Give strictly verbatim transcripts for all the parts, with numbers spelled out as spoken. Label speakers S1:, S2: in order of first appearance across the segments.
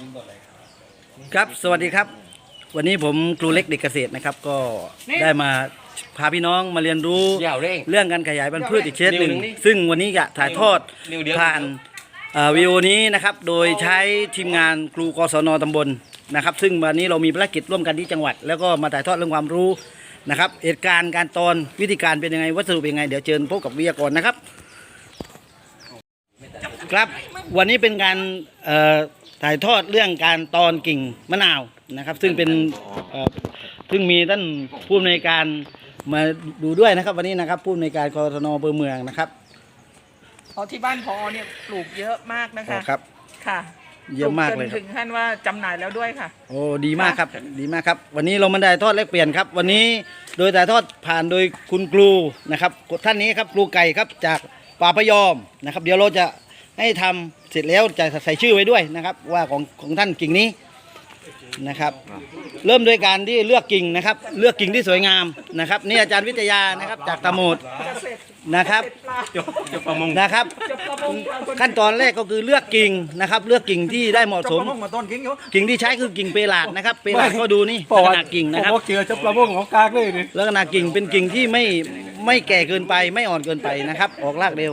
S1: ครับสวัสดีครับวันนี้ผมครูเล็กเด็กเกษตรนะครับก็ได้มาพาพี่น้องมาเรียนรู้เรื่องการขยายพันธุ์พืชอีกเคสหนึ่งซึ่งวันนี้จะถ่ายทอดผ่านวิดีโอนี้นะครับโดยใช้ทีมงานครูกศนตำบลนะครับซึ่งวันนี้เรามีภารกิจร่วมกันที่จังหวัดแล้วก็มาถ่ายทอดเรื่องความรู้นะครับเหตุการณ์การตอนวิธีการเป็นยังไงวัสดุเป็นยังไงเดี๋ยวเชิญพบกับวิทยากรนะครับครับวันนี้เป็นการถ่ายทอดเรื่องการตอนกิ่งมะนาวนะครับซึ่งเป็นซึ่งมีท่านผู้อำนวยการมาดูด้วยนะครับวันนี้นะครับผู้อำนวยการกศนอำเภอเมืองนะครับ
S2: อ๋อที่บ้านพอเนี่ยปลูกเยอะมากนะคะ
S1: ครับ
S2: ค่ะ
S1: เยอะมากเลย
S2: ถึงขั้นว่าจำหน่ายแล้วด้วยค่ะ
S1: โอ้ดีมากครับดีมากครับวันนี้เรามาถ่ายทอดแลกเปลี่ยนครับวันนี้โดยถ่ายทอดผ่านโดยคุณครูนะครับท่านนี้ครับครูไก่ครับจากป่าพยอมนะครับเดี๋ยวเราจะให้ทำเสร็จแล้วจะใส่ชื่อไว้ด้วยนะครับว่าของของท่านกิ่งนี้นะครับเริ่มโดยการที่เลือกกิ่งนะครับเลือกกิ่งที่สวยงามนะครับนี่อาจารย์วิทยานะครับจากตะโมดนะครับนะครับขั้นตอนแรกก็คือเลือกกิ่งนะครับเลือกกิ่งที่ได้เหมาะสมกิ่งที่ใช้คือกิ่งเปราดนะครับเปราดก็ดูนี่ลักษณะกิ่งนะครับ
S3: เจอจับปลาบ้งของกากเลยนี่
S1: ลักษณะกิ่งเป็นกิ่งที่ไม่ไม่แก่เกินไปไม่อ่อนเกินไปนะครับออกรากเร็ว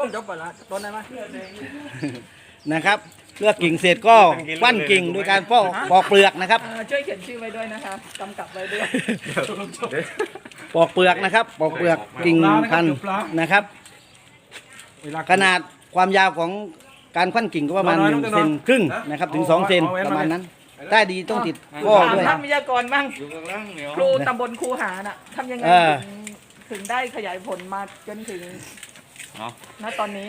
S1: นะครับเลือกกิ่งเสร็จก็ปั้นกิ่งโดยการปอกปอกเปลือกนะครับ
S2: ช่วยเขียนชื่อไว้ด้วยนะคะกำกับไว้ด้วย
S1: ปอกเปลือกนะครับปอกเปลือกกิ่งพันธุ์นะครับขนาดความยาวของการควันกิ่งก็ประมาณหนึ่งเซนครึ่งนะครับถึงสองเซนประมาณนั้นได้ดีต้องติดข้อด้วย
S2: ท่านวิทยากรบ้างครูตำบลคูหาน่ะทำยังไงถึงได้ขยายผลมาจนถึงณตอนนี้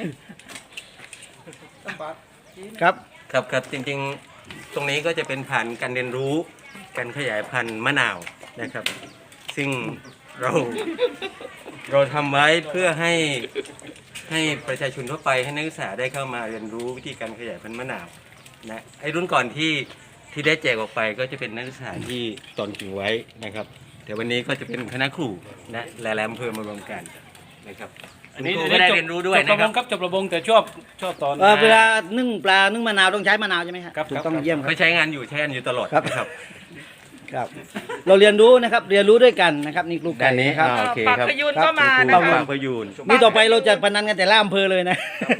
S1: ครับ
S4: ครับครับจริงๆตรงนี้ก็จะเป็นผ่านการเรียนรู้การขยายพันธุ์มะนาวนะครับซึ่งเราเราทำไว้เพื่อให้ให้ประชาชนทั่วไปให้นักศึกษาได้เข้ามาเรียนรู้วิธีการขยายพันธุ์มะนาวนะไอ้รุ่นก่อนที่ที่ได้แจกออกไปก็จะเป็นนักศึกษาที่ตอนกิ่งไว้นะครับแต่วันนี้ก็จะเป็นคณะครูนะหลายๆอำเภอมารวมกันนะครับ
S3: อันนี้
S4: ก็ได้เรียนรู้ด้วยนะครับ
S3: จบจบระบงแต่ชอบชอบตอน
S1: เวลานึ่งปลานึ่งมะนาวต้องใช้มะนาวใช่ไหมครับถูกต้องเยี่ยม
S4: เขาใช้งานอยู่ใช้งานอยู่ตลอด
S1: ครับครับเราเรียนรู้นะครับเรียนรู้ด้วยกันนะครับนี่ครูไก่
S4: นี้
S1: ครับ
S2: ปากพยูนก็มานะคะ
S4: ปากพยูน
S1: นี่ต่อไปเราจะพนันกันแต่ละอำเภอเลยนะ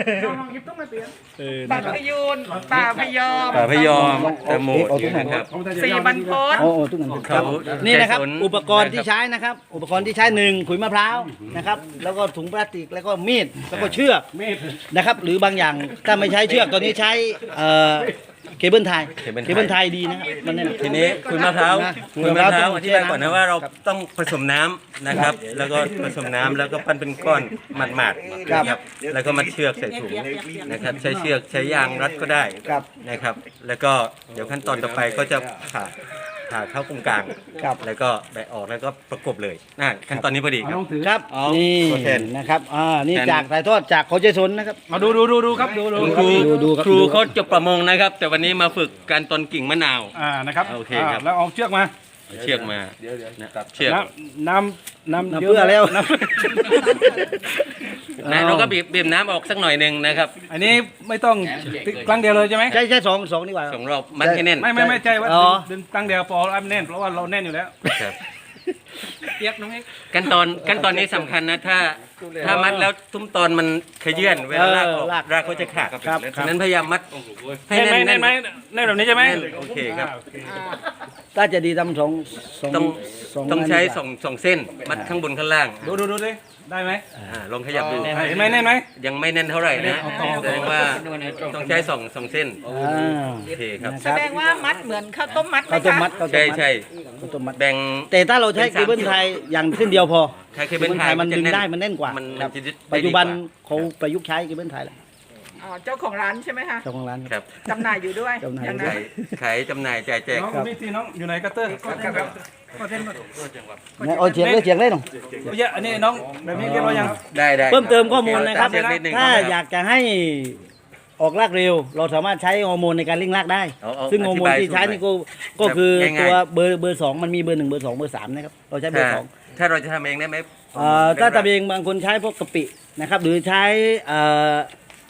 S2: ปากพยูนป่าพยอม
S4: ป่าพยอมตะโมดนะครับ
S2: สี่บรรพต
S1: โอ้โหทุกคนครับนี่นะครับอุปกรณ์ที่ใช้นะครับอุปกรณ์ที่ใช้หนึ่งขุยมะพร้าวนะครับแล้วก็ถุงพลาสติกแล้วก็มีดแล้วก็เชือกนะครับหรือบางอย่างถ้าไม่ใช้เชือกตอนนี้ใช้เคเบิลไทยเคเบิลไทยดีนะครับมันเนี่ย
S4: ทีนี้ขุยมะพร้าวขุยมะพร้าวอธิบายก่อนนะว่าเราต้องผสมน้ำนะครับแล้วก็ผสมน้ำแล้วก็ปั้นเป็นก้อนหมาดๆนะครับแล้วก็มัดเชือกใส่ถุงนะครับใช้เชือกใช้ยางรัดก็ได้นะครับแล้วก็เดี๋ยวขั้นตอนต่อไปก็จะผ่าผ่าเข้ากรงกลางแล้วก็แบะออกแล้วก็ประกบเลยนะขั้นตอนนี้พอดีครับ
S1: ครับนี่นะครับอ่านี่จากถ่ายทอดจากเขาใจสนนะครับ
S3: มาดูดูดูดูครับดูดู
S4: ครูครูเขาจบประมงนะครับแต่วันนี้มาฝึกการตอนกิ่งมะนาว
S3: อ่านะครับ
S4: โอเคครับ
S3: แล้วเอาเชือกมา
S4: เชือกมา
S3: เดี๋ยวเดี๋ยว
S4: นะครับเชือก
S3: น้ำน้ำ
S1: เพื่อแล้ว
S4: นะเราก็บีบบีบน้ำออกสักหน่อยหนึ่งนะครับ
S3: อันนี้ไม่ต้องครั้งเดียวเลยใช่ไหม
S1: ใช่ใช่สองสองดีกว่า
S4: สองรอบมัดให้แน่น
S3: ไม่ไม่ไม่ใช่ว่าดึงครั้งเดียวพออันแน่นเพราะว่าเราแน่นอยู่แล้ว
S2: เปียกน้องเอก
S4: ขั้นตอนขั้นตอนนี้สำคัญนะถ้าถ้ามัดแล้วทุ่มตอนมันขยื่นเวลาลากออกรากเขาจะขาดฉะนั้นพยายามมัดให้แน่น
S3: แน่นไหมแน่นแบบนี้ใช่ไหม
S4: โอเคครับ
S1: ถ้าจะดีทำสอง
S4: ต้องต้องใช้สองสองเส้นมัดข้างบนข้างล่าง
S3: ดูดูดูดิได้ไหม
S4: ลองขยับดู
S3: เห็นไหมแน่นไหม
S4: ยังไม่แน่นเท่าไหร่นะแสดงว่าต้องใช้สองสองเส้นโอเคครับ
S2: แสดงว่ามัดเหมือนข้าวต้มมัดไหม
S1: คะ
S4: ใช่ใช่
S1: แบ่งแต่ถ้าเราใช้เคเบิลไทยอย่างเส้นเดียวพอ
S4: ใช้เคเบิลไทย
S1: มันดึงได้มันแน่นกว่าปัจจุบันเขาประยุกต์ใช้เคเบิลไทยแล้ว
S2: อ๋อเจ้าของร้านใช่ไหมคะ
S1: เจ้าของร้าน
S4: ครับ
S2: จำหน่ายอยู่ด้วย
S1: จำหน่าย
S4: ขายจำหน่ายจ่ายแจก
S3: น้องมีที่น้องอยู่ไหนกัตเตอร์
S1: โอ้เฉียงเลยเฉียงเลยน้อง
S3: เยอะอันนี้น้องแบบนี้เรียบร้อยยัง
S4: ได้ได้
S1: เพิ่มเติมข้อมูลนะครับถ้าอยากจะให้ออกรากเร็วเราสามารถใช้ฮอร์โมนในการเร่งรากได้ซึ่งฮอร์โมนที่ใช้นี่ก็ก็คือตัวเบอร์เบอร์สองมันมีเบอร์หนึ่งเบอร์สองเบอร์สามนะครับเราใช้เบอร์สอง
S4: ถ้าเราจะทำเองได้ไหม
S1: ถ้าทำเองบางคนใช้พวกกะปินะครับหรือใช้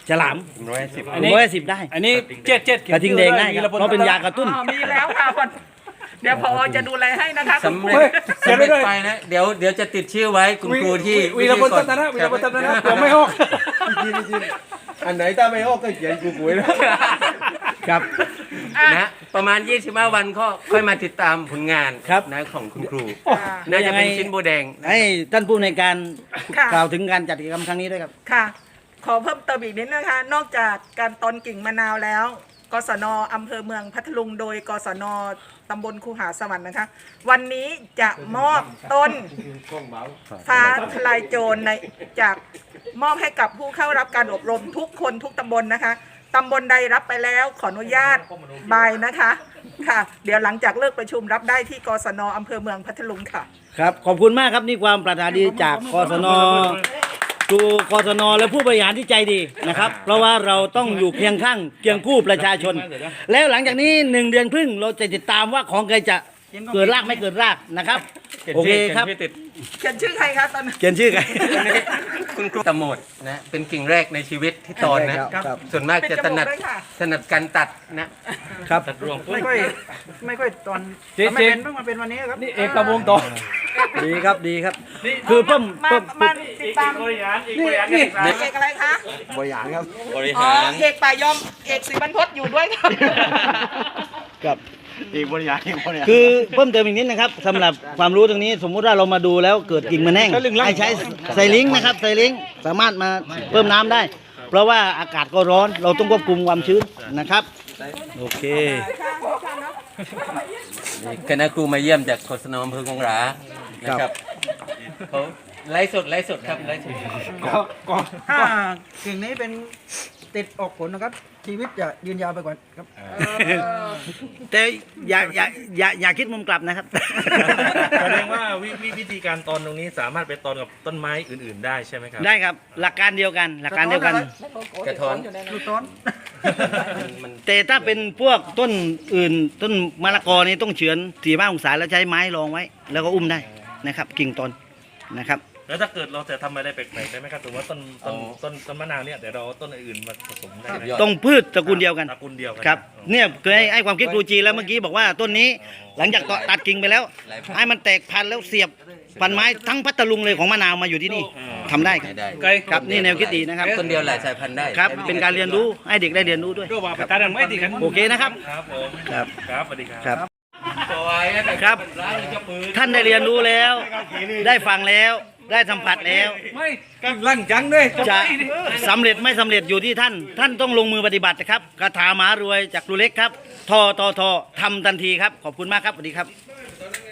S1: ฉลาม
S4: ร้อยสิบ
S3: อันนี้
S1: ร้อยสิบได้
S3: อันนี้เจ็ดเจ็ด
S1: กระทิงแดงได้ครับเพราะเป็นยากระตุ้น
S2: อ๋อมีแล้วค่ะวันเดี๋ยวพอจะดูแลให้นะคะคุณ
S4: สำ
S2: ครู
S4: เร็จสำเร็จไปนะเดี๋ยวเดี๋ยวจะติดชื่อไว้คุณครูที่
S3: วีรพลตันนะวีรพลตันนะผมไม่ออก
S5: อันไหนถ้าไม่ออกก็เขียนกูปุ๋ยนะครับ
S4: นะประมาณยี่สิบห้าวันก็ค่อยมาติดตามผลงาน
S1: ครับ
S4: นะของคุณครู
S2: ค่ะ
S4: น่าจะเป็นชิ้นโบแดงนะ
S1: ให้ท่านผู้ในวยการ
S2: ค่ะ
S1: กล่าวถึงการจัดกิจกรรมครั้งนี้ด้วยครับ
S2: ค่ะ ขอเพิ่มเติมอีกนิดนะคะ นอกจากการตอนกิ่งมะนาวแล้ว กศนอำเภอเมืองพัทลุงโดยกศนตำบลคูหาสวรรค์นะคะ วันนี้จะมอบต้นฟ้าทลายโจรในจากมอบให้กับผู้เข้ารับการอบรมทุกคนทุกตำบลนะคะตำบลใดรับไปแล้วขออนุญาตบายนะคะค่ะ เดี๋ยวหลังจากเลิกประชุมรับได้ที่กศนอำเภอเมืองพัทลุงค่ะ
S1: ครับขอบคุณมากครับนี่ความปรารถนาดีจากกศนครูกศนและผู้บริหารที่ใจดีนะครับ เพราะว่าเราต้องอยู่เคียงข้างเคียงคู่ประชาชน แล้วหลังจากนี้หนึ่งเดือนครึ่งเราจะติดตามว่าของใครจะเกิดรากไม่เกิดรากนะครับโอเคครับ
S4: ขียนชื่อติด
S2: เขียนชื่อใครคะตอนนั้น
S1: เขียนชื่อใคร
S4: คุณครูตะโหมดนะเป็นกิ่งแรกในชีวิตที่ตอนนะครับ ส่วนมากจะถนัด
S2: เป็นจมูกด้วยค่ะ
S4: ถนัดการตัดนะ
S1: ครับ
S5: ไม่ค่อยไม่ค่อยตอน
S3: เจ๊
S5: ไม่
S3: เจ๊
S5: เป็นเพิ่งมาเป็นวันนี้ครับ
S3: นี่เอกวงต่อ
S1: ดีครับดีครับ คือเพิ่ม
S2: มา
S1: เพิ่ม
S2: มาติดตาม
S3: บริหารอีกบริหาร
S2: เอกอะไรคะ
S5: บริหารครับ
S4: บริ
S2: อ๋อ
S4: หาร
S2: เอกป่ายอมเอกศิบรรพตอยู่ด้วยค่ะ
S1: ครับ
S5: อีกบริหารอีกบริหาร
S1: คือเพิ่มเติมอีกนิดนะครับสำหรับความรู้ตรงนี้สมมุติว่าเรามาดูแล้วเกิดกิ่งมันแห้งให้ใช้ไซลิงค์นะครับไซลิงค์สามารถมาเพิ่มน้ำได้ เพราะว่าอากาศก็ร้อนเราต้องควบคุมความชื้นนะครับโอเค
S4: นี่คณะครูมาเยี่ยมจากกศนอำเภอคงหรานะครับเขาไลฟ์สดไลฟ์สดครับไลฟ์สด
S5: ถ้ากิ่งนี้เป็นติดออกผลนะครับ ชีวิตจะยืนยาวไปกว่าครับ
S1: แต่อย่าอย่าอย่าอย่าคิดมุมกลับนะครับ
S6: แสดงว่าวิวิวิธีการตอนตรงนี้สามารถไปตอนกับต้นไม้อื่น ๆ ได้ใช่ไหมครับ
S1: ได้ครับหลักการเดียวกัน หลักการเดียวกัน
S4: กระท้อน
S5: ลูกต้น
S4: มัน
S1: แต่ถ้าเป็นพวกต้นอื่นต้นมะละกอนี่ต้องเฉือนสี่ห้าองศาแล้วใช้ไม้รองไว้ แล้วก็อุ้มได้นะครับ กิ่งต้นนะครับ
S6: แล้วถ้าเกิดเราจะทำอะไรแปลกๆได้ไหมครับถือว่าต้นต้นต้นต้นมะนาวเนี่ยเดี๋ยวเราเอาต้นอื่นๆมาผสมได้ไหม
S1: ต้องพืชตระกูลเดียวกัน
S6: ตระกูลเดียวกัน
S1: ครับ
S6: อ๋อ
S1: เนี่ยเคยให้ให้ความคิดครูจีแล้วเมื่อกี้บอกว่าต้นนี้หลังจากตัดกิ่งไปแล้ว ให้มันแตกพันธุ์แล้วเสียบพันไม้ทั้งพัทลุงเลยของมะนาวมาอยู่ที่นี่ทำได้ครับ
S4: ได้
S3: ไกล
S1: ครับนี่แนวคิดดีนะครับ
S4: ต้นเดียวหลายสายพันธุ์ได้
S1: ครับเป็นการเรียนรู้ให้เด็กได้เรียนรู้ด้วย
S3: ก็ว่าไปตาดันไม่ดีกัน
S1: โอเคนะครับ
S6: ครับผม
S1: ครับ
S6: ครับสวัสดีครับ
S1: ครับ
S4: สวยนะครับ ร้านจะปืน
S1: ท่านได้เรียนรู้แล้ว ได้ฟังแล้ว ได้สัมผัสแล้ว
S3: ไม่ลั่งจังเลย
S1: จะสำเร็จไม่สำเร็จอยู่ที่ท่าน ท่านต้องลงมือปฏิบัตินะครับคาถามหารวยจากครูเล็กครับ ทอทอทอทำทันทีครับ ขอบคุณมากครับสวัสดีครับ